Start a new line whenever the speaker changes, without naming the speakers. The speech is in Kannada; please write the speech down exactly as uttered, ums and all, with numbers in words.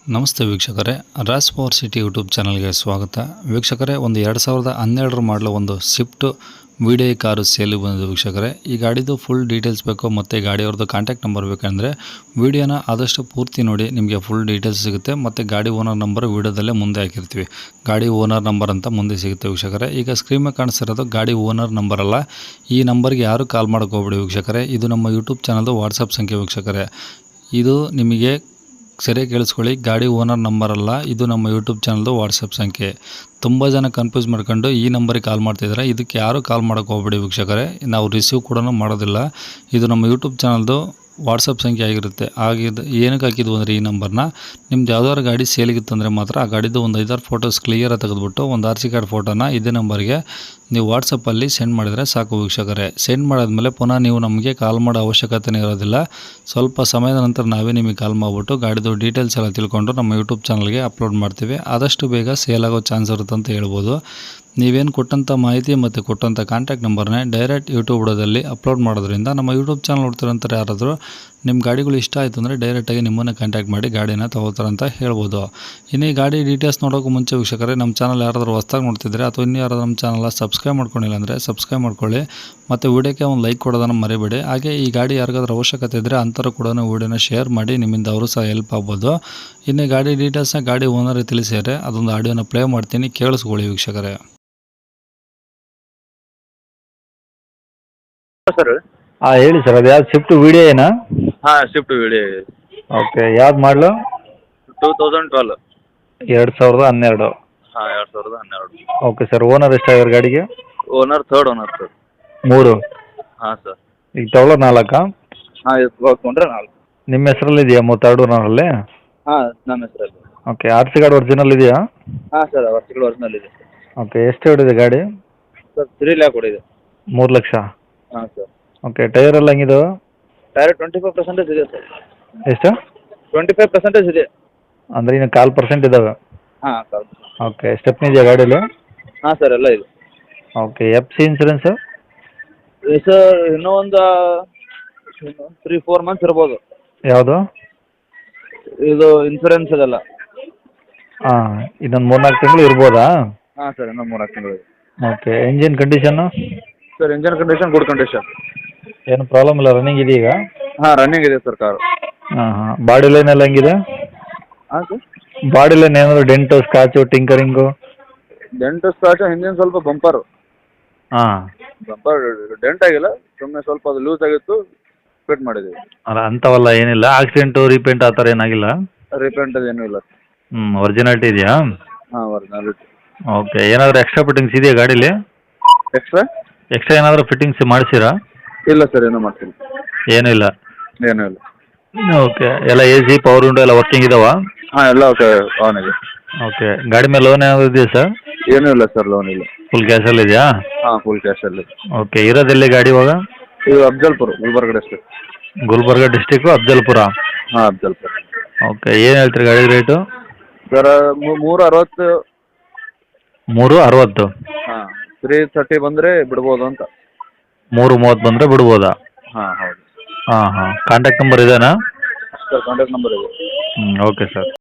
ನಮಸ್ತೆ ವೀಕ್ಷಕರೇ, ರಾಸ್ ಪವರ್ ಸಿಟಿ ಯೂಟ್ಯೂಬ್ ಚಾನಲ್ಗೆ ಸ್ವಾಗತ. ವೀಕ್ಷಕರೇ, ಒಂದು ಎರಡು ಸಾವಿರದ ಹನ್ನೆರಡರ ಮಾಡಲು ಒಂದು Swift V D I car ಸೇಲಿಗೆ ಬಂದಿದೆ. ವೀಕ್ಷಕರೇ, ಈ ಗಾಡಿದು ಫುಲ್ ಡೀಟೇಲ್ಸ್ ಬೇಕು ಮತ್ತು ಗಾಡಿಯವ್ರದ್ದು ಕಾಂಟ್ಯಾಕ್ಟ್ ನಂಬರ್ ಬೇಕಂದರೆ ವೀಡಿಯೋನ ಆದಷ್ಟು ಪೂರ್ತಿ ನೋಡಿ, ನಿಮಗೆ ಫುಲ್ ಡೀಟೇಲ್ಸ್ ಸಿಗುತ್ತೆ. ಮತ್ತು ಗಾಡಿ ಓನರ್ ನಂಬರ್ ವೀಡಿಯೋದಲ್ಲೇ ಮುಂದೆ ಹಾಕಿರ್ತೀವಿ. ಗಾಡಿ ಓನರ್ ನಂಬರ್ ಅಂತ ಮುಂದೆ ಸಿಗುತ್ತೆ ವೀಕ್ಷಕರೇ. ಈಗ ಸ್ಕ್ರೀನ್ ಮೇಲೆ ಕಾಣಿಸ್ತಿರೋದು ಗಾಡಿ ಓನರ್ ನಂಬರ್ ಅಲ್ಲ. ಈ ನಂಬರ್ಗೆ ಯಾರು ಕಾಲ್ ಮಾಡೋಕೆ ಹೋಗ್ಬೇಡಿ ವೀಕ್ಷಕರೇ. ಇದು ನಮ್ಮ ಯೂಟ್ಯೂಬ್ ಚಾನಲ್ದು ವಾಟ್ಸಪ್ ಸಂಖ್ಯೆ ವೀಕ್ಷಕರೇ. ಇದು ನಿಮಗೆ ಸರಿಯಾಗಿ ಕೇಳಿಸ್ಕೊಳ್ಳಿ, ಗಾಡಿ ಓನರ್ ನಂಬರ್ ಅಲ್ಲ, ಇದು ನಮ್ಮ ಯೂಟ್ಯೂಬ್ ಚಾನಲ್ದು ವಾಟ್ಸಪ್ ಸಂಖ್ಯೆ. ತುಂಬ ಜನ ಕನ್ಫ್ಯೂಸ್ ಮಾಡ್ಕೊಂಡು ಈ ನಂಬರಿಗೆ ಕಾಲ್ ಮಾಡ್ತಿದ್ದಾರೆ. ಇದಕ್ಕೆ ಯಾರು ಕಾಲ್ ಮಾಡೋಕೆ ಹೋಗ್ಬೇಡಿ ವೀಕ್ಷಕರೇ. ನಾವು ರಿಸೀವ್ ಕೂಡ ಮಾಡೋದಿಲ್ಲ. ಇದು ನಮ್ಮ ಯೂಟ್ಯೂಬ್ ಚಾನಲ್ದು ವಾಟ್ಸಪ್ ಸಂಖ್ಯೆ ಆಗಿರುತ್ತೆ. ಆಗಿದ್ದು ಏನಕ್ಕೆ ಹಾಕಿದ್ವು ಅಂದರೆ, ಈ ನಂಬರ್ನ ನಿಮ್ದು ಯಾವ್ದಾದ್ರು ಗಾಡಿ ಸೇಲಿಗಿತ್ತಂದರೆ ಮಾತ್ರ ಆ ಗಾಡಿದು ಒಂದು ಐದಾರು ಫೋಟೋಸ್ ಕ್ಲಿಯರಾಗಿ ತೆಗೆದುಬಿಟ್ಟು ಒಂದು ಆರ್ ಸಿ ಕಾರ್ಡ್ ಫೋಟೋನ ಇದೇ ನಂಬರ್ಗೆ ನೀವು ವಾಟ್ಸಪ್ಪಲ್ಲಿ ಸೆಂಡ್ ಮಾಡಿದರೆ ಸಾಕು ವೀಕ್ಷಕರೇ. ಸೆಂಡ್ ಮಾಡಾದ್ಮೇಲೆ ಪುನಃ ನೀವು ನಮಗೆ ಕಾಲ್ ಮಾಡೋ ಅವಶ್ಯಕತೆನೇ ಇರೋದಿಲ್ಲ. ಸ್ವಲ್ಪ ಸಮಯದ ನಂತರ ನಾವೇ ನಿಮಗೆ ಕಾಲ್ ಮಾಡಿಬಿಟ್ಟು ಗಾಡಿದು ಡೀಟೇಲ್ಸ್ ಎಲ್ಲ ತಿಳ್ಕೊಂಡು ನಮ್ಮ ಯೂಟ್ಯೂಬ್ ಚಾನಲ್ಗೆ ಅಪ್ಲೋಡ್ ಮಾಡ್ತೀವಿ. ಆದಷ್ಟು ಬೇಗ ಸೇಲ್ ಆಗೋ ಚಾನ್ಸ್ ಇರುತ್ತೆ ಅಂತ ಹೇಳ್ಬೋದು. ನೀವೇನು ಕೊಟ್ಟಂಥ ಮಾಹಿತಿ ಮತ್ತು ಕೊಟ್ಟಂಥ ಕಾಂಟ್ಯಾಕ್ಟ್ ನಂಬರ್ನೇ ಡೈರೆಕ್ಟ್ ಯೂಟ್ಯೂಬ್ ವಿಡಿಯೋದಲ್ಲಿ ಅಪ್ಲೋಡ್ ಮಾಡೋದ್ರಿಂದ ನಮ್ಮ ಯೂಟ್ಯೂಬ್ ಚಾನಲ್ ನೋಡ್ತಿರೋಂಥ ಯಾರಾದರೂ ನಿಮ್ಮ ಗಾಡಿಗಳು ಇಷ್ಟ ಆಯಿತು ಅಂದರೆ ಡೈರೆಕ್ಟಾಗಿ ನಿಮ್ಮನ್ನೇ ಕಾಂಟ್ಯಾಕ್ಟ್ ಮಾಡಿ ಗಾಡಿನ ತೊಗೋತಾರಂತ ಹೇಳ್ಬೋದು. ಇನ್ನು ಈ ಗಾಡಿ ಡೀಟೇಲ್ಸ್ ನೋಡೋಕ್ಕೂ ಮುಂಚೆ ವೀಕ್ಷಕರೇ, ನಮ್ಮ ಚಾನಲ್ ಯಾರಾದರೂ ಹೊಸ್ದಾಗಿ ನೋಡ್ತಿದ್ರೆ ಅಥವಾ ಇನ್ನೂ ಯಾರಾದರೂ ನಮ್ಮ ಚಾನಲ್ನ ಸಬ್ಸ್ಕ್ರೈಬ್ ಮಾಡ್ಕೊಂಡಿಲ್ಲ ಅಂದರೆ ಸಬ್ಸ್ಕ್ರೈಬ್ ಮಾಡ್ಕೊಳ್ಳಿ. ಮತ್ತು ವೀಡಿಯೋಕ್ಕೆ ಒಂದು ಲೈಕ್ ಕೊಡೋದನ್ನು ಮರಿಬೇಡಿ. ಹಾಗೆ ಈ ಗಾಡಿ ಯಾರಿಗಾದ್ರೂ ಅವಶ್ಯಕತೆ ಇದ್ದರೆ ಅಂಥವ್ರು ಕೂಡ ವೀಡಿಯೋನ ಶೇರ್ ಮಾಡಿ, ನಿಮ್ಮಿಂದ ಅವರು ಸಹ ಹೆಲ್ಪ್ ಆಗ್ಬೋದು. ಇನ್ನು ಗಾಡಿ ಡೀಟೇಲ್ಸ್ನ ಗಾಡಿ ಓನರ್ ತಿಳಿಸಿದರೆ ಅದೊಂದು ಆಡಿಯೋನ ಪ್ಲೇ ಮಾಡ್ತೀನಿ, ಕೇಳಿಸ್ಕೊಳ್ಳಿ ವೀಕ್ಷಕರೇ.
ಸರ್
ಹಾಂ ಹೇಳಿ ಸರ್, ಅದು ಯಾವ್ದು ಸ್ವಿಫ್ಟ್ ವಿ ಡಿ ಐನಾ?
ಹಾಂ ಸ್ವಿಫ್ಟ್ ವಿಡಿ
ಓಕೆ, ಯಾವ್ದು ಮಾಡಲು?
Two thousand twelve.
ಎರಡು ಸಾವಿರದ ಹನ್ನೆರಡು.
ಹಾಂ ಎರಡು ಸಾವಿರದ ಹನ್ನೆರಡು.
ಓಕೆ ಸರ್, ಓನರ್ ಎಷ್ಟಾಗಿರೋ ಗಾಡಿಗೆ?
Owner third owner sir.
ಮೂರು.
ಹಾಂ ಸರ್.
ಈಗ ತಗೊಳ್ಳೋದು ನಾಲ್ಕಾ?
ಹಾಂ ಇಸ್ಕೊಂಡ್ರೆ ನಾಲ್ಕು.
ನಿಮ್ಮ ಹೆಸರಲ್ಲಿ ಇದೆಯಾ ಮೂವತ್ತೆರಡು ಓನರಲ್ಲಿ?
ಹಾಂ ನಮ್ಮ ಹೆಸರಲ್ಲಿ.
Okay, R C card original ಇದೆಯಾ?
ಹಾಂ ಸರ್, ವರ್ಷಗಳು ಒರಿಜಿನಲ್ ಇದೆ.
ಓಕೆ, ಎಷ್ಟು ಹೊಡಿದೆ ಗಾಡಿ?
ಸರ್ ತ್ರೀ ಲ್ಯಾಕ್ ಹೊಡಿದೆ.
ಮೂರು ಲಕ್ಷ.
ಹಾಂ ಸರ್.
ಓಕೆ, ಟೈರ್ ಎಲ್ಲ ಹೆಂಗಿದಾವೆ?
ಟೈರ್ ಟ್ವೆಂಟಿ ಫೈವ್ ಪರ್ಸೆಂಟೇಜ್ ಇದೆ ಸರ್.
ಎಷ್ಟು?
ಟ್ವೆಂಟಿ ಫೈವ್ ಪರ್ಸೆಂಟೇಜ್ ಇದೆ.
ಅಂದರೆ ಇನ್ನು ಕಾಲು ಪರ್ಸೆಂಟ್ ಇದ್ದಾವೆ.
ಹಾಂ ಸರ್.
ಓಕೆ, ಸ್ಟೆಪ್ನಿ ಇದೆಯಾ ಗಾಡೀಲಿ?
ಹಾಂ ಸರ್, ಎಲ್ಲ ಇದೆ.
Okay, F C insurance?
Sir ಇನ್ನೂ ಒಂದು ತ್ರೀ ಫೋರ್ ಮಂತ್ಸ್ ಇರ್ಬೋದು.
ಯಾವುದು?
ಇದು ಇನ್ಸೂರೆನ್ಸ್ ಅದೆಲ್ಲ.
ಹಾಂ, ಇನ್ನೊಂದು ಮೂರು ನಾಲ್ಕು ತಿಂಗಳು ಇರ್ಬೋದಾ?
ಹಾಂ ಸರ್, ಇನ್ನೂ ಮೂರು ತಿಂಗಳು ಇದೆ.
Okay, engine condition?
Sir engine condition good condition.
ಏನು ಪ್ರಾಬ್ಲಮ್ ಇಲ್ಲ, ರನ್ನಿಂಗ್ ಇದೆಯಾ?
ಹಾಂ ರನ್ನಿಂಗ್ ಇದೆ ಸರ್ ಕಾರು.
ಹಾಂ ಹಾಂ, ಬಾಡಿ ಲೈನ್ ಎಲ್ಲ ಹೆಂಗಿದೆ?
ಹಾಂ ಸರ್.
ಬಾಡಿ ಲೈನ್ ಏನಾದರೂ dent scratch tinkering?
Dent scratch ಹಿಂದಿನ ಸ್ವಲ್ಪ ಬಂಪರು.
ಹಾಂ.
ಬಂಪರ್ ಡೆಂಟ್ ಆಗಿಲ್ಲ, ಸುಮ್ಮನೆ ಸ್ವಲ್ಪ ಅದು ಲೂಸ್ ಆಗಿತ್ತು, ಫಿಟ್ ಮಾಡಿದ್ದೀವಿ.
ಅಲ್ಲ ಅಂಥವೆಲ್ಲ ಏನಿಲ್ಲ, ಆಕ್ಸಿಡೆಂಟು ರೀಪೇಂಟ್ ಆ ಥರ ಏನಾಗಿಲ್ಲ?
ರೀಪೇಂಟ್ ಅದೇನೂ ಇಲ್ಲ.
ಹ್ಞೂ, ಒರಿಜಿನಾಲಿಟಿ ಇದೆಯಾ?
ಹಾಂ ಒರಿಜಿನಾಲಿಟಿ.
ಓಕೆ, ಏನಾದರೂ ಎಕ್ಸ್ಟ್ರಾ ಫಿಟ್ಟಿಂಗ್ಸ್ ಇದೆಯಾ ಗಾಡೀಲಿ?
ಎಕ್ಸ್ಟ್ರಾ
ಎಕ್ಸ್ಟ್ರಾ ಏನಾದರೂ ಫಿಟ್ಟಿಂಗ್ಸ್ ಮಾಡಿಸಿರಾ?
ಇಲ್ಲ ಸರ್, ಏನೂ ಮಾಡ್ತೀನಿ.
ಏನೂ ಇಲ್ಲ.
ಏನೂ ಇಲ್ಲ.
ಓಕೆ, ಎಲ್ಲ ಎ ಸಿ ಪವರ್ ವಿಂಡೋ ಎಲ್ಲ ವರ್ಕಿಂಗ್ ಇದಾವಾ?
ಹಾಂ ಎಲ್ಲ ಓಕೆ, ಆನ್ ಇದೆ.
ಓಕೆ, ಗಾಡಿ ಮೇಲೆ ಲೋನ್ ಏನಾದರೂ ಇದೆಯಾ ಸರ್?
ಏನೂ ಇಲ್ಲ ಸರ್, ಲೋನ್ ಇಲ್ಲ.
ಫುಲ್ ಕ್ಯಾಶಲ್ಲಿ ಇದೆಯಾ?
ಹಾಂ ಫುಲ್ ಕ್ಯಾಶಲ್ಲಿ.
ಓಕೆ, ಇರೋದೆಲ್ಲಿ ಗಾಡಿ ಇವಾಗ?
ಇದು ಅಫ್ಜಲ್ಪುರ, ಗುಲ್ಬರ್ಗ ಡಿಸ್ಟ್ರಿಕ್ಟ್.
ಗುಲ್ಬರ್ಗ ಡಿಸ್ಟಿಕ್ಕು ಅಫ್ಜಲ್ಪುರ.
ಹಾಂ ಅಫ್ಜಲ್ಪುರ.
ಓಕೆ, ಏನು ಹೇಳ್ತೀರಿ ಗಾಡಿ ರೇಟು?
ಸರ್ ಮೂರು ಅರವತ್ತು.
ಮೂರು ಅರವತ್ತು.
ಹಾಂ ತ್ರೀ ತರ್ಟಿ ಬಂದರೆ ಬಿಡ್ಬೋದು ಅಂತ.
ಮೂರು ಮೂವತ್ತು ಬಂದರೆ ಬಿಡ್ಬೋದಾ?
ಹಾಂ ಹೌದು.
ಹಾಂ ಹಾಂ, ಕಾಂಟ್ಯಾಕ್ಟ್ ನಂಬರ್ ಇದೇನಾ?
ಸರ್ ಕಾಂಟ್ಯಾಕ್ಟ್ ನಂಬರ್ ಇದೆ.
ಹ್ಞೂ, ಓಕೆ ಸರ್.